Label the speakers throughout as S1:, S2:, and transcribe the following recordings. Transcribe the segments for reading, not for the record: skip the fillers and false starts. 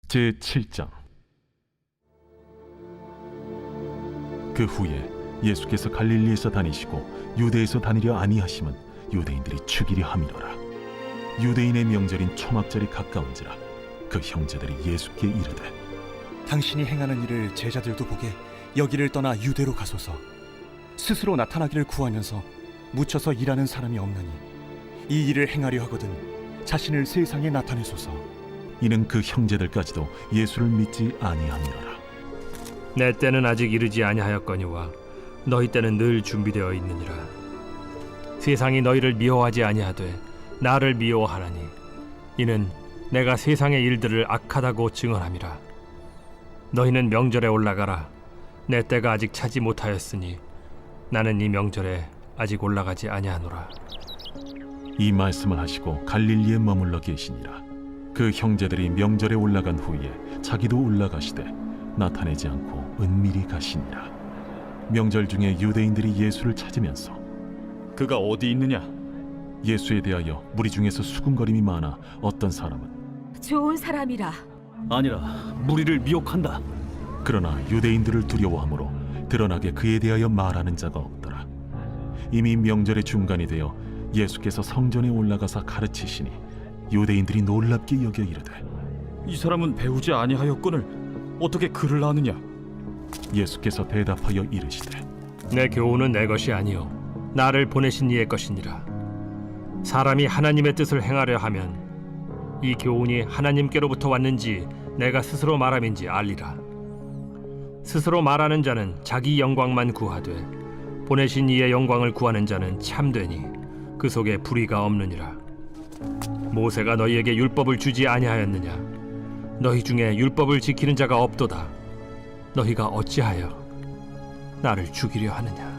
S1: 제7장. 그 후에 예수께서 갈릴리에서 다니시고 유대에서 다니려 아니하심은 유대인들이 죽이려 함이로라. 유대인의 명절인 초막절이 가까운지라 그 형제들이 예수께 이르되,
S2: 당신이 행하는 일을 제자들도 보게 여기를 떠나 유대로 가소서. 스스로 나타나기를 구하면서 묻혀서 일하는 사람이 없나니 이 일을 행하려 하거든 자신을 세상에 나타내소서.
S1: 이는 그 형제들까지도 예수를 믿지 아니함이로라.
S3: 내 때는 아직 이르지 아니하였거니와 너희 때는 늘 준비되어 있느니라. 세상이 너희를 미워하지 아니하되 나를 미워하나니 이는 내가 세상의 일들을 악하다고 증언함이라. 너희는 명절에 올라가라. 내 때가 아직 차지 못하였으니 나는 이 명절에 아직 올라가지 아니하노라.
S1: 이 말씀을 하시고 갈릴리에 머물러 계시니라. 그 형제들이 명절에 올라간 후에 자기도 올라가시되 나타내지 않고 은밀히 가시니라. 명절 중에 유대인들이 예수를 찾으면서
S4: 그가 어디 있느냐?
S1: 예수에 대하여 무리 중에서 수군거림이 많아 어떤 사람은
S5: 좋은 사람이라.
S4: 아니라 무리를 미혹한다.
S1: 그러나 유대인들을 두려워하므로 드러나게 그에 대하여 말하는 자가 없더라. 이미 명절의 중간이 되어 예수께서 성전에 올라가사 가르치시니 유대인들이 놀랍게 여겨 이르되,
S4: 이 사람은 배우지 아니하였거늘 어떻게 글을 아느냐?
S1: 예수께서 대답하여 이르시되,
S3: 내 교훈은 내 것이 아니요 나를 보내신 이의 것이니라. 사람이 하나님의 뜻을 행하려 하면 이 교훈이 하나님께로부터 왔는지 내가 스스로 말함인지 알리라. 스스로 말하는 자는 자기 영광만 구하되 보내신 이의 영광을 구하는 자는 참되니 그 속에 불의가 없느니라. 모세가 너희에게 율법을 주지 아니하였느냐? 너희 중에 율법을 지키는 자가 없도다. 너희가 어찌하여 나를 죽이려 하느냐?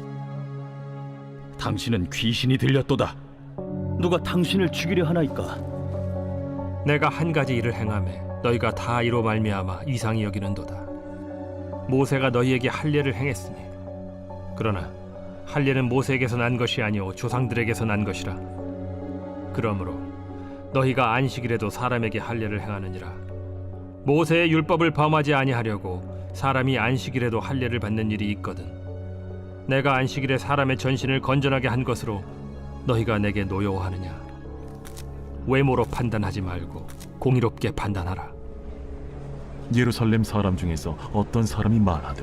S4: 당신은 귀신이 들렸도다. 누가 당신을 죽이려 하나이까?
S3: 내가 한 가지 일을 행하매 너희가 다 이로 말미암아 이상히 여기는도다. 모세가 너희에게 할례를 행했으니 그러나 할례는 모세에게서 난 것이 아니오 조상들에게서 난 것이라. 그러므로 너희가 안식일에도 사람에게 할례를 행하느니라. 모세의 율법을 범하지 아니하려고 사람이 안식일에도 할례를 받는 일이 있거든. 내가 안식일에 사람의 전신을 건전하게 한 것으로 너희가 내게 노여워하느냐? 외모로 판단하지 말고 공의롭게 판단하라.
S1: 예루살렘 사람 중에서 어떤 사람이 말하되,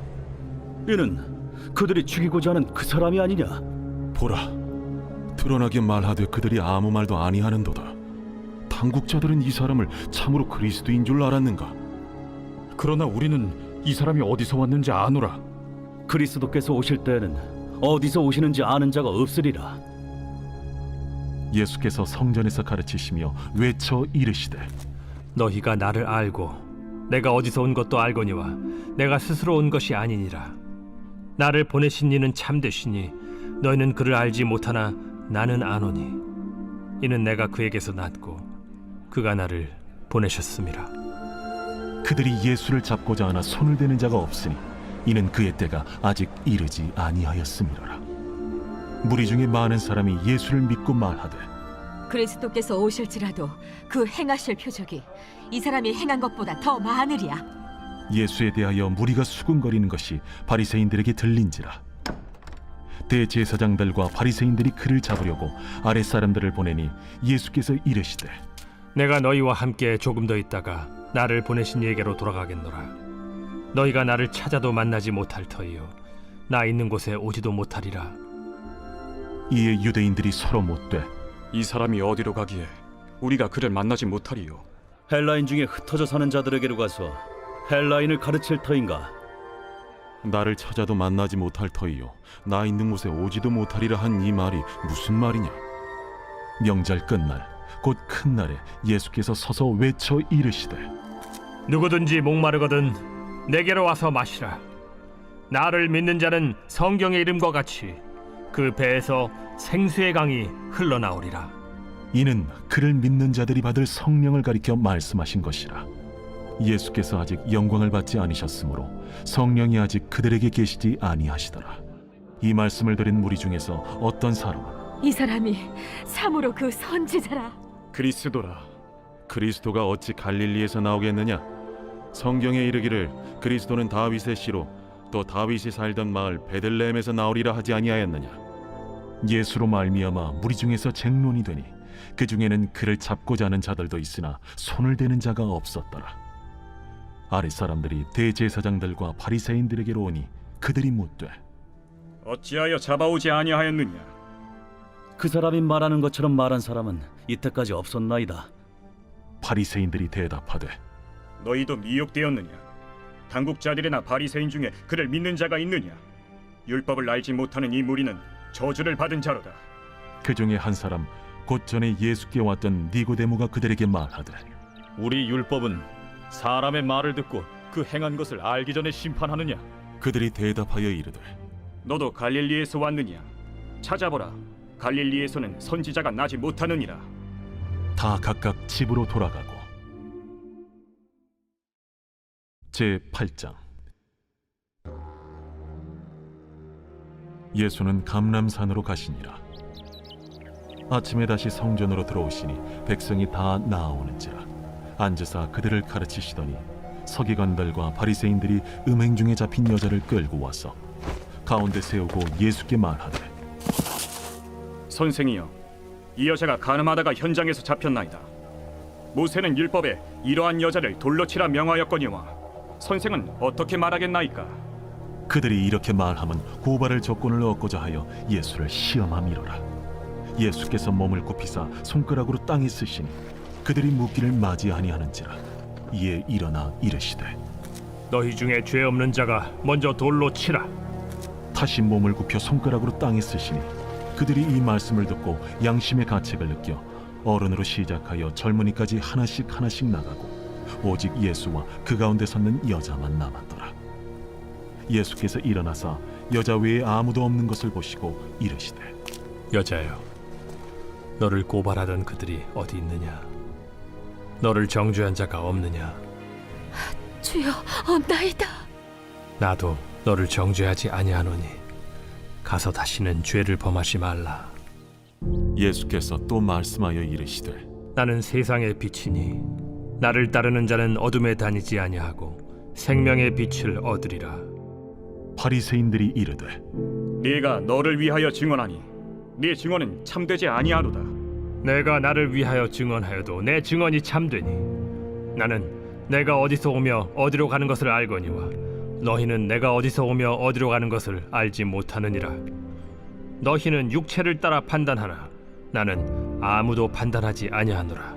S4: 이는 그들이 죽이고자 하는 그 사람이 아니냐?
S1: 보라, 드러나게 말하되 그들이 아무 말도 아니하는도다. 당국자들은 이 사람을 참으로 그리스도인 줄 알았는가?
S4: 그러나 우리는 이 사람이 어디서 왔는지 아노라. 그리스도께서 오실 때에는 어디서 오시는지 아는 자가 없으리라.
S1: 예수께서 성전에서 가르치시며 외쳐 이르시되,
S3: 너희가 나를 알고 내가 어디서 온 것도 알거니와 내가 스스로 온 것이 아니니라. 나를 보내신 이는 참되시니 너희는 그를 알지 못하나 나는 아노니 이는 내가 그에게서 났고 그가 나를 보내셨음이라.
S1: 그들이 예수를 잡고자 하나 손을 대는 자가 없으니 이는 그의 때가 아직 이르지 아니하였음이로라. 무리 중에 많은 사람이 예수를 믿고 말하되,
S5: 그리스도께서 오실지라도 그 행하실 표적이 이 사람이 행한 것보다 더 많으리야.
S1: 예수에 대하여 무리가 수군거리는 것이 바리새인들에게 들린지라. 대제사장들과 바리새인들이 그를 잡으려고 아랫사람들을 보내니 예수께서 이르시되,
S3: 내가 너희와 함께 조금 더 있다가 나를 보내신 이에게로 돌아가겠노라. 너희가 나를 찾아도 만나지 못할 터이요 나 있는 곳에 오지도 못하리라.
S1: 이에 유대인들이 서로 묻되,
S6: 이 사람이 어디로 가기에 우리가 그를 만나지 못하리요?
S4: 헬라인 중에 흩어져 사는 자들에게로 가서 헬라인을 가르칠 터인가?
S1: 나를 찾아도 만나지 못할 터이요 나 있는 곳에 오지도 못하리라 한 이 말이 무슨 말이냐? 명절 끝날 곧 큰 날에 예수께서 서서 외쳐 이르시되,
S3: 누구든지 목마르거든 내게로 와서 마시라. 나를 믿는 자는 성경의 이름과 같이 그 배에서 생수의 강이 흘러나오리라.
S1: 이는 그를 믿는 자들이 받을 성령을 가리켜 말씀하신 것이라. 예수께서 아직 영광을 받지 아니셨으므로 성령이 아직 그들에게 계시지 아니하시더라. 이 말씀을 들은 무리 중에서 어떤 사람은
S5: 이 사람이 참으로 그 선지자라.
S6: 그리스도라.
S1: 그리스도가 어찌 갈릴리에서 나오겠느냐? 성경에 이르기를 그리스도는 다윗의 씨로 또 다윗이 살던 마을 베들레헴에서 나오리라 하지 아니하였느냐? 예수로 말미암아 무리 중에서 쟁론이 되니 그 중에는 그를 잡고자 하는 자들도 있으나 손을 대는 자가 없었더라. 아랫 사람들이 대제사장들과 바리새인들에게로 오니 그들이 묻되
S6: 어찌하여 잡아오지 아니하였느냐?
S4: 그 사람이 말하는 것처럼 말한 사람은 이때까지 없었나이다.
S1: 바리새인들이 대답하되
S6: 너희도 미혹되었느냐? 당국자들이나 바리새인 중에 그를 믿는 자가 있느냐? 율법을 알지 못하는 이 무리는 저주를 받은 자로다.
S1: 그 중에 한 사람 곧 전에 예수께 왔던 니고데모가 그들에게 말하되
S4: 우리 율법은 사람의 말을 듣고 그 행한 것을 알기 전에 심판하느냐?
S1: 그들이 대답하여 이르되
S6: 너도 갈릴리에서 왔느냐? 찾아보라. 갈릴리에서는 선지자가 나지 못하느니라.
S1: 다 각각 집으로 돌아가고 제 8장 예수는 감람산으로 가시니라. 아침에 다시 성전으로 들어오시니 백성이 다 나아오는지라 앉으사 그들을 가르치시더니 서기관들과 바리새인들이 음행 중에 잡힌 여자를 끌고 와서 가운데 세우고 예수께 말하되
S6: 선생이여, 이 여자가 간음하다가 현장에서 잡혔나이다. 모세는 율법에 이러한 여자를 돌로 치라 명하였거니와 선생은 어떻게 말하겠나이까?
S1: 그들이 이렇게 말하면 고발할 조건을 얻고자 하여 예수를 시험함이로라. 예수께서 몸을 굽히사 손가락으로 땅에 쓰시니 그들이 묻기를 맞이아니하는지라. 이에 일어나 이르시되
S3: 너희 중에 죄 없는 자가 먼저 돌로 치라.
S1: 다시 몸을 굽혀 손가락으로 땅에 쓰시니 그들이 이 말씀을 듣고 양심의 가책을 느껴 어른으로 시작하여 젊은이까지 하나씩 나가고 오직 예수와 그 가운데 섰는 여자만 남았더라. 예수께서 일어나사 여자 외에 아무도 없는 것을 보시고 이르시되
S3: 여자여, 너를 고발하던 그들이 어디 있느냐? 너를 정죄한 자가 없느냐?
S5: 주여, 없나이다.
S3: 나도 너를 정죄하지 아니하노니 가서 다시는 죄를 범하지 말라.
S1: 예수께서 또 말씀하여 이르시되
S3: 나는 세상의 빛이니 나를 따르는 자는 어둠에 다니지 아니하고 생명의 빛을 얻으리라.
S1: 바리새인들이 이르되
S6: 네가 너를 위하여 증언하니 네 증언은 참되지 아니하로다.
S3: 내가 나를 위하여 증언하여도 내 증언이 참되니 나는 내가 어디서 오며 어디로 가는 것을 알거니와 너희는 내가 어디서 오며 어디로 가는 것을 알지 못하느니라. 너희는 육체를 따라 판단하나 나는 아무도 판단하지 아니하노라.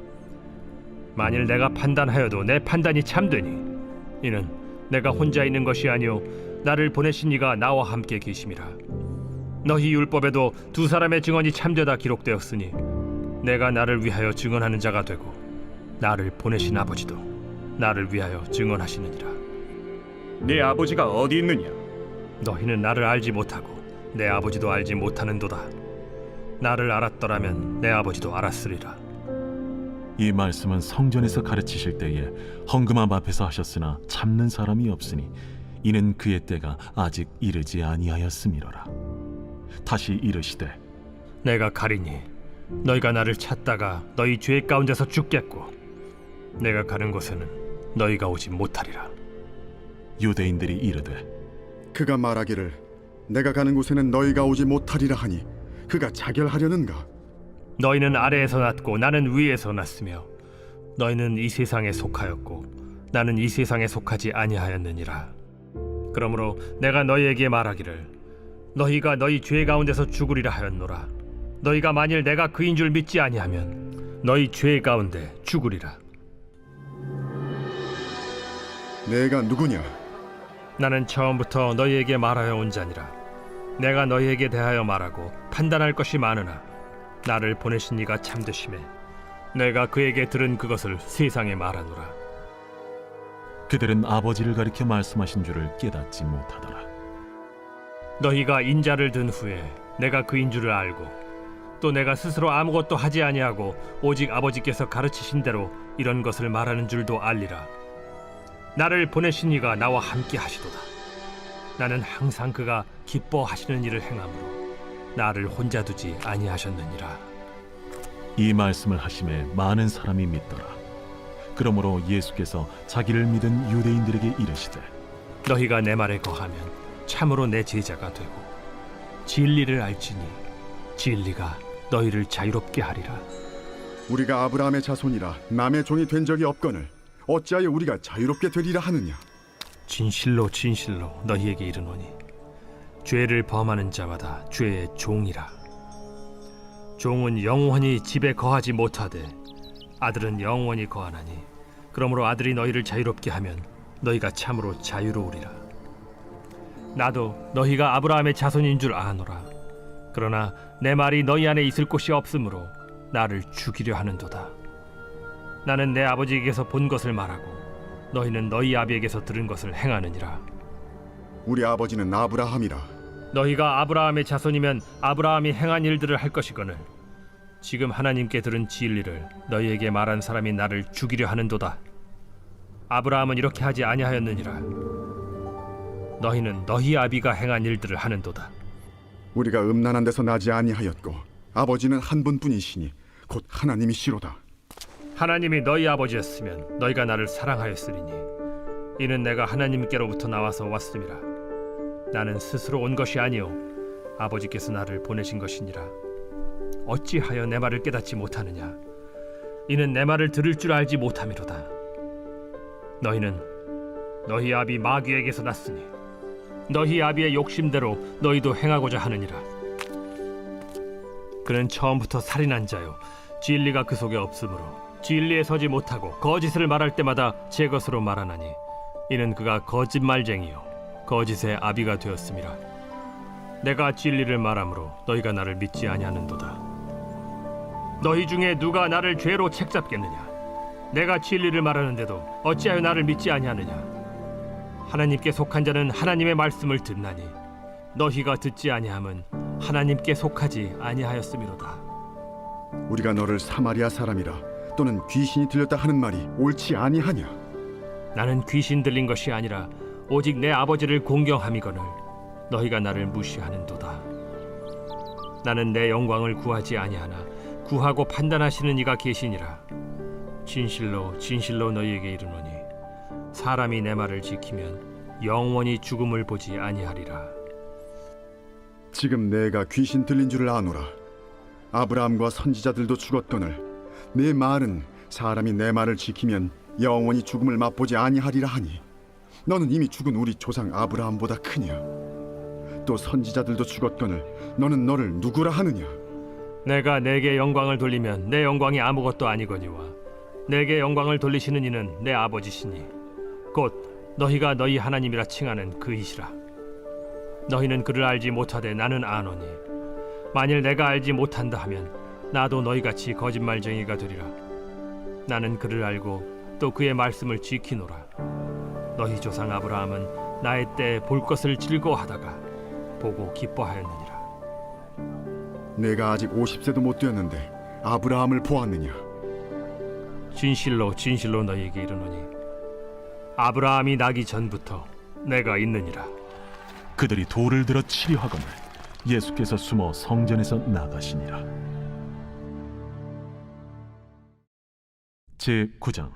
S3: 만일 내가 판단하여도 내 판단이 참되니 이는 내가 혼자 있는 것이 아니오 나를 보내신 이가 나와 함께 계심이라. 너희 율법에도 두 사람의 증언이 참되다 기록되었으니 내가 나를 위하여 증언하는 자가 되고 나를 보내신 아버지도 나를 위하여 증언하시느니라.
S6: 네 아버지가 어디 있느냐?
S3: 너희는 나를 알지 못하고 내 아버지도 알지 못하는도다. 나를 알았더라면 내 아버지도 알았으리라.
S1: 이 말씀은 성전에서 가르치실 때에 헌금함 앞에서 하셨으나 참는 사람이 없으니 이는 그의 때가 아직 이르지 아니하였음이로라. 다시 이르시되
S3: 내가 가리니 너희가 나를 찾다가 너희 죄 가운데서 죽겠고 내가 가는 곳에는 너희가 오지 못하리라.
S1: 유대인들이 이르되
S7: 그가 말하기를 내가 가는 곳에는 너희가 오지 못하리라 하니 그가 자결하려는가?
S3: 너희는 아래에서 났고 나는 위에서 났으며 너희는 이 세상에 속하였고 나는 이 세상에 속하지 아니하였느니라. 그러므로 내가 너희에게 말하기를 너희가 너희 죄 가운데서 죽으리라 하였노라. 너희가 만일 내가 그인 줄 믿지 아니하면 너희 죄 가운데 죽으리라.
S7: 내가 누구냐?
S3: 나는 처음부터 너희에게 말하여 온 자니라. 내가 너희에게 대하여 말하고 판단할 것이 많으나 나를 보내신 이가 참되심에 내가 그에게 들은 그것을 세상에 말하노라.
S1: 그들은 아버지를 가리켜 말씀하신 줄을 깨닫지 못하더라.
S3: 너희가 인자를 든 후에 내가 그인 줄을 알고 또 내가 스스로 아무것도 하지 아니하고 오직 아버지께서 가르치신 대로 이런 것을 말하는 줄도 알리라. 나를 보내신 이가 나와 함께 하시도다. 나는 항상 그가 기뻐하시는 일을 행함으로 나를 혼자 두지 아니하셨느니라.
S1: 이 말씀을 하심에 많은 사람이 믿더라. 그러므로 예수께서 자기를 믿은 유대인들에게 이르시되
S3: 너희가 내 말에 거하면 참으로 내 제자가 되고 진리를 알지니 진리가 너희를 자유롭게 하리라.
S7: 우리가 아브라함의 자손이라 남의 종이 된 적이 없거늘 어찌하여 우리가 자유롭게 되리라 하느냐?
S3: 진실로 진실로 너희에게 이르노니 죄를 범하는 자마다 죄의 종이라. 종은 영원히 집에 거하지 못하되 아들은 영원히 거하나니 그러므로 아들이 너희를 자유롭게 하면 너희가 참으로 자유로우리라. 나도 너희가 아브라함의 자손인 줄 아노라. 그러나 내 말이 너희 안에 있을 곳이 없으므로 나를 죽이려 하는도다. 나는 내 아버지에게서 본 것을 말하고 너희는 너희 아비에게서 들은 것을 행하느니라.
S7: 우리 아버지는 아브라함이라.
S3: 너희가 아브라함의 자손이면 아브라함이 행한 일들을 할 것이거늘 지금 하나님께 들은 진리를 너희에게 말한 사람이 나를 죽이려 하는도다. 아브라함은 이렇게 하지 아니하였느니라. 너희는 너희 아비가 행한 일들을 하는도다.
S7: 우리가 음란한 데서 나지 아니하였고 아버지는 한 분뿐이시니 곧 하나님이시로다.
S3: 하나님이 너희 아버지였으면 너희가 나를 사랑하였으리니 이는 내가 하나님께로부터 나와서 왔음이라. 나는 스스로 온 것이 아니요 아버지께서 나를 보내신 것이니라. 어찌하여 내 말을 깨닫지 못하느냐? 이는 내 말을 들을 줄 알지 못함이로다. 너희는 너희 아비 마귀에게서 났으니 너희 아비의 욕심대로 너희도 행하고자 하느니라. 그는 처음부터 살인한 자요 진리가 그 속에 없으므로 진리에 서지 못하고 거짓을 말할 때마다 제 것으로 말하나니 이는 그가 거짓말쟁이요 거짓의 아비가 되었음이라. 내가 진리를 말하므로 너희가 나를 믿지 아니하는도다. 너희 중에 누가 나를 죄로 책잡겠느냐? 내가 진리를 말하는데도 어찌하여 나를 믿지 아니하느냐? 하나님께 속한 자는 하나님의 말씀을 듣나니 너희가 듣지 아니함은 하나님께 속하지 아니하였음이로다.
S7: 우리가 너를 사마리아 사람이라 또는 귀신이 들렸다 하는 말이 옳지 아니하냐?
S3: 나는 귀신 들린 것이 아니라 오직 내 아버지를 공경함이거늘 너희가 나를 무시하는도다. 나는 내 영광을 구하지 아니하나 구하고 판단하시는 이가 계시니라. 진실로 진실로 너희에게 이르노니 사람이 내 말을 지키면 영원히 죽음을 보지 아니하리라.
S7: 지금 내가 귀신 들린 줄을 아노라. 아브라함과 선지자들도 죽었거늘 내 말은 사람이 내 말을 지키면 영원히 죽음을 맛보지 아니하리라 하니 너는 이미 죽은 우리 조상 아브라함보다 크냐? 또 선지자들도 죽었거늘 너는 너를 누구라 하느냐?
S3: 내가 내게 영광을 돌리면 내 영광이 아무것도 아니거니와 내게 영광을 돌리시는 이는 내 아버지시니 곧 너희가 너희 하나님이라 칭하는 그이시라. 너희는 그를 알지 못하되 나는 아노니 만일 내가 알지 못한다 하면 나도 너희같이 거짓말쟁이가 되리라. 나는 그를 알고 또 그의 말씀을 지키노라. 너희 조상 아브라함은 나의 때에 볼 것을 즐거워하다가 보고 기뻐하였느니라.
S7: 내가 아직 50세도 못 되었는데 아브라함을 보았느냐?
S3: 진실로 진실로 너희에게 이르노니 아브라함이 나기 전부터 내가 있느니라.
S1: 그들이 돌을 들어 치려 하거늘 예수께서 숨어 성전에서 나가시니라. 제9장.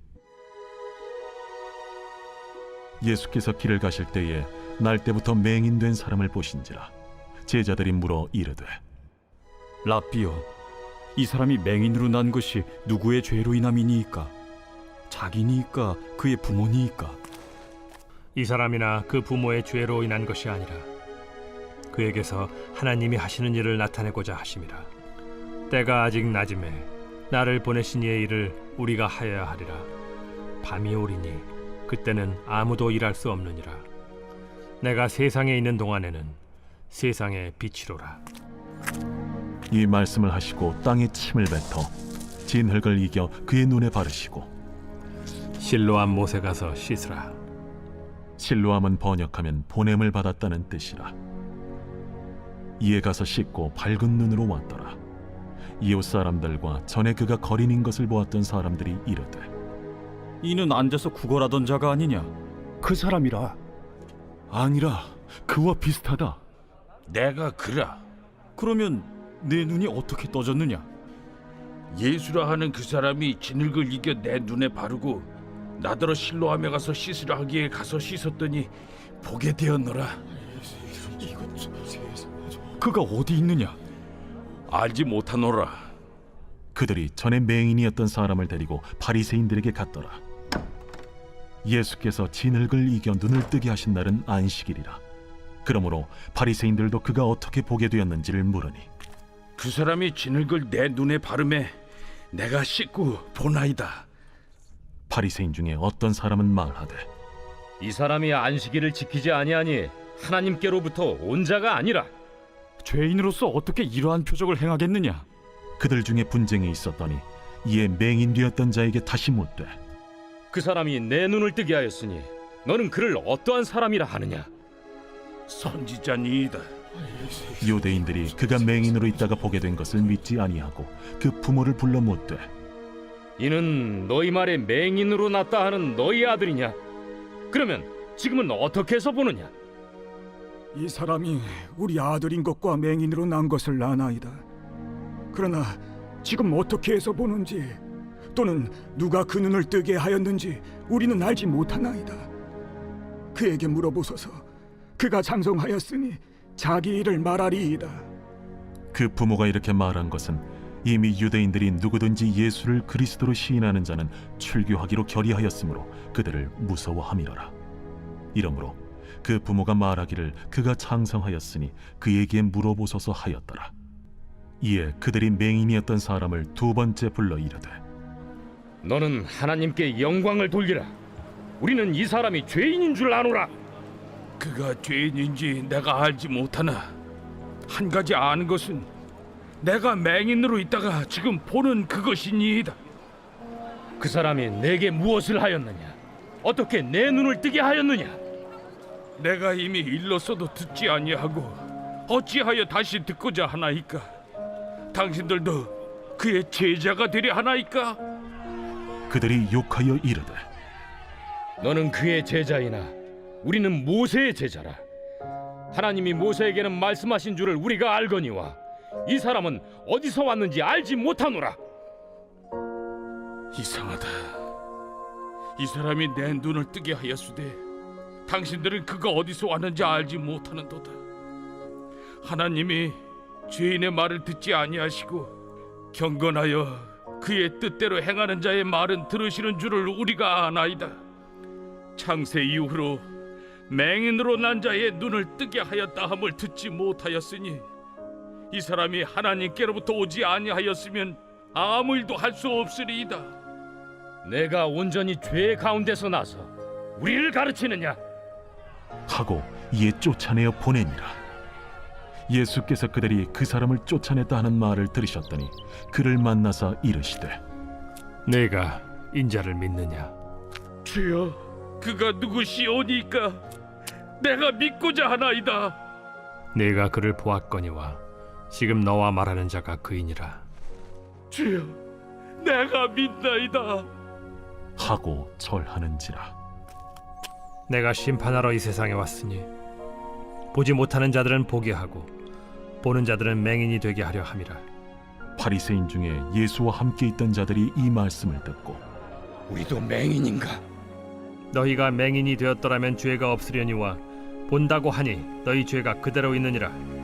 S1: 예수께서 길을 가실 때에 날 때부터 맹인된 사람을 보신지라. 제자들이 물어 이르되
S4: 라삐요, 이 사람이 맹인으로 난 것이 누구의 죄로 인함이니이까? 자기니이까 그의 부모니이까?
S3: 이 사람이나 그 부모의 죄로 인한 것이 아니라 그에게서 하나님이 하시는 일을 나타내고자 하심이라. 때가 아직 낮음에 나를 보내신 이의 일을 우리가 하여야 하리라. 밤이 오리니 그때는 아무도 일할 수 없느니라. 내가 세상에 있는 동안에는 세상의 빛이로라.
S1: 이 말씀을 하시고 땅에 침을 뱉어 진흙을 이겨 그의 눈에 바르시고
S3: 실로암 못에 가서 씻으라.
S1: 실로암은 번역하면 보냄을 받았다는 뜻이라. 이에 가서 씻고 밝은 눈으로 왔더라. 이웃 사람들과 전에 그가 거린인 것을 보았던 사람들이 이르되
S4: 이는 앉아서 구걸하던 자가 아니냐?
S2: 그 사람이라.
S1: 아니라 그와 비슷하다.
S8: 내가 그라.
S4: 그러면 내 눈이 어떻게 떠졌느냐?
S8: 예수라 하는 그 사람이 진흙을 이겨 내 눈에 바르고 나더러 실로암에 가서 씻으라 하기에 가서 씻었더니 보게 되었노라.
S4: 그가 어디 있느냐?
S8: 알지 못하노라.
S1: 그들이 전에 맹인이었던 사람을 데리고 바리새인들에게 갔더라. 예수께서 진흙을 이겨 눈을 뜨게 하신 날은 안식일이라. 그러므로 바리새인들도 그가 어떻게 보게 되었는지를 물으니
S8: 그 사람이 진흙을 내 눈에 바르매 내가 씻고 보나이다.
S1: 바리새인 중에 어떤 사람은 말하되
S3: 이 사람이 안식일을 지키지 아니하니 하나님께로부터 온 자가 아니라.
S4: 죄인으로서 어떻게 이러한 표적을 행하겠느냐?
S1: 그들 중에 분쟁이 있었더니 이에 맹인 되었던 자에게 다시 묻되
S3: 그 사람이 내 눈을 뜨게 하였으니 너는 그를 어떠한 사람이라 하느냐?
S8: 선지자니이다.
S1: 유대인들이 그가 맹인으로 있다가 보게 된 것을 믿지 아니하고 그 부모를 불러 묻되
S3: 이는 너희 말에 맹인으로 났다 하는 너희 아들이냐? 그러면 지금은 어떻게 해서 보느냐?
S9: 이 사람이 우리 아들인 것과 맹인으로 난 것을 아나이다. 그러나 지금 어떻게 해서 보는지 또는 누가 그 눈을 뜨게 하였는지 우리는 알지 못하나이다. 그에게 물어보소서. 그가 장성하였으니 자기 일을 말하리이다.
S1: 그 부모가 이렇게 말한 것은 이미 유대인들이 누구든지 예수를 그리스도로 시인하는 자는 출교하기로 결의하였으므로 그들을 무서워함이로라. 이러므로 그 부모가 말하기를 그가 장성하였으니 그에게 물어보소서 하였더라. 이에 그들이 맹인이었던 사람을 두 번째 불러 이르되
S3: 너는 하나님께 영광을 돌리라. 우리는 이 사람이 죄인인 줄 아노라.
S8: 그가 죄인인지 내가 알지 못하나 한 가지 아는 것은 내가 맹인으로 있다가 지금 보는 그것이니이다.
S3: 그 사람이 내게 무엇을 하였느냐? 어떻게 내 눈을 뜨게 하였느냐?
S8: 내가 이미 일렀어도 듣지 아니하고 어찌하여 다시 듣고자 하나이까? 당신들도 그의 제자가 되려 하나이까?
S1: 그들이 욕하여 이르되
S3: 너는 그의 제자이나 우리는 모세의 제자라. 하나님이 모세에게는 말씀하신 줄을 우리가 알거니와 이 사람은 어디서 왔는지 알지 못하노라.
S8: 이상하다. 이 사람이 내 눈을 뜨게 하였으되 당신들은 그가 어디서 왔는지 알지 못하는도다. 하나님이 죄인의 말을 듣지 아니하시고 경건하여 그의 뜻대로 행하는 자의 말은 들으시는 줄을 우리가 아나이다. 창세 이후로 맹인으로 난 자의 눈을 뜨게 하였다 함을 듣지 못하였으니 이 사람이 하나님께로부터 오지 아니하였으면 아무 일도 할 수 없으리이다.
S3: 내가 온전히 죄 가운데서 나서 우리를 가르치느냐?
S1: 하고 이에 쫓아내어 보내니라. 예수께서 그들이 그 사람을 쫓아냈다 하는 말을 들으셨더니 그를 만나사 이르시되
S3: 내가 인자를 믿느냐?
S8: 주여, 그가 누구시오니까 내가 믿고자 하나이다.
S3: 내가 그를 보았거니와 지금 너와 말하는 자가 그이니라.
S8: 주여, 내가 믿나이다.
S1: 하고 절하는지라.
S3: 내가 심판하러 이 세상에 왔으니 보지 못하는 자들은 보게 하고 보는 자들은 맹인이 되게 하려 함이라.
S1: 바리새인 중에 예수와 함께 있던 자들이 이 말씀을 듣고
S8: 우리도 맹인인가?
S3: 너희가 맹인이 되었더라면 죄가 없으려니와 본다고 하니 너희 죄가 그대로 있느니라.